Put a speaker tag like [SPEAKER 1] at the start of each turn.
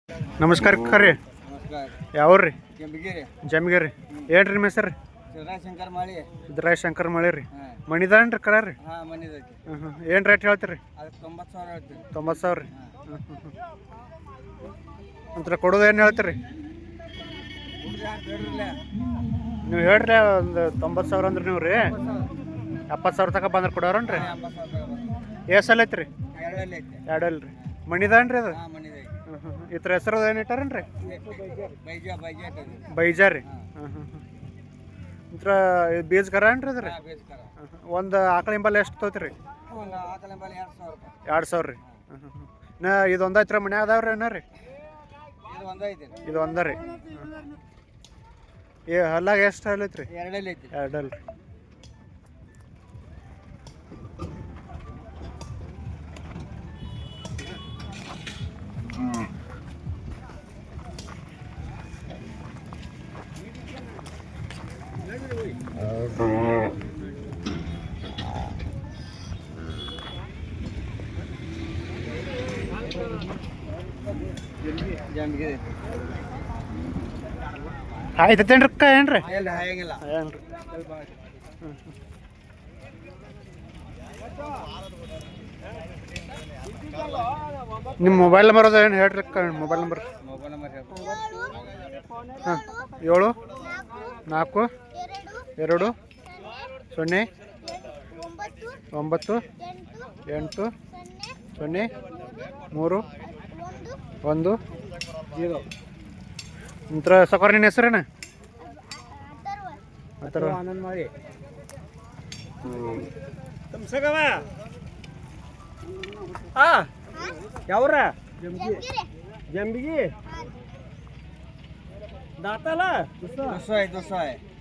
[SPEAKER 1] ನಮಸ್ಕಾರ ಕರ್ರಿ.
[SPEAKER 2] ನಮಸ್ಕಾರ.
[SPEAKER 1] ಯಾವ್ರಿ?
[SPEAKER 2] ಕೆಂಪಗಿರಿ.
[SPEAKER 1] ಜಮ್ಗಿರಿ. ಏನ್ರಿ ನಿಮ್ಮ ಹೆಸರು?
[SPEAKER 2] ಶಂಕರ್ ಮಾಳಿ.
[SPEAKER 1] ಸಿದ್ದರಾಯ ಶಂಕರ್ ಮಳೆ ರೀ. ಮಣಿದಾನ್ರಿ ಕರ ರೀ.
[SPEAKER 2] ಹಾಂ ಮನಿದೈತಿ.
[SPEAKER 1] ಏನು ರೇಟ್ ಹೇಳ್ತೀರಿ?
[SPEAKER 2] ಅದಕ್ಕೆ 90,000 ಹೇಳ್ತೀವಿ.
[SPEAKER 1] 90,000 ರೀ. ಒಂಥರ ಕೊಡೋದು ಏನು ಹೇಳ್ತೀರಿ? ನೀವು ಹೇಳ್ರಿ ಒಂದು 90,000 ಅಂದ್ರೆ ನೀವು ರೀ 70,000 ತನಕ ಬಂದ್ರೆ ಕೊಡೋರನ್ರಿ? ಎಷ್ಟು ಸಲ ಐತ್ರಿ? ಎರಡಲ್ಲ ರೀ. ಮಣಿದಾನ್ರಿ ಅದು? ಇದ್ರ ಹೆಸರು ಏನು ಇಟ್ಟಾರನ್ರಿ? ಬೈಜಾ ರೀ. ಇದ್ರ ಬೀಜ ಕರ ಏನ್ರಿ ಅದ್ರಿ? ಒಂದು ಆಕಳ ಹಿಂಬಲ್ ಎಷ್ಟು ತೊಗೋತೀರಿ? 2,000 ರೀ. ಇದು ಒಂದು ಐತ್ರಿ ಮನೆ ಅದಾವ್ರಿ ಏನ ರೀ? ಇದು ಒಂದ ರೀ. ಹಲ್ಲಾಗ ಎಷ್ಟು ಹಲ್ ಐತ್ರಿ? ಎರಡಲ್ಲ ರೀ. ಆಯ್ತೇನ್ರಿ ಅಕ್ಕ? ಏನ್ರಿ ಏನ್ರಿ? ನಿಮ್ಮ ಮೊಬೈಲ್ ನಂಬರ್ ಅದ ಏನು ಹೇಳ್ರಿ ಅಕ್ಕ? Mobile number? ಹಾಂ 7 4 2 0 9 8 0 3 1 0. ನಂತರ ಸಕೋರ್ ನಿನ್ನ ಹೆಸರೇನ? ಆನಂದ್ ಮಾಡಿ ಯಾವ್ರ? ಜಂಬಿಗಿ ದಾತಲ್ಲ.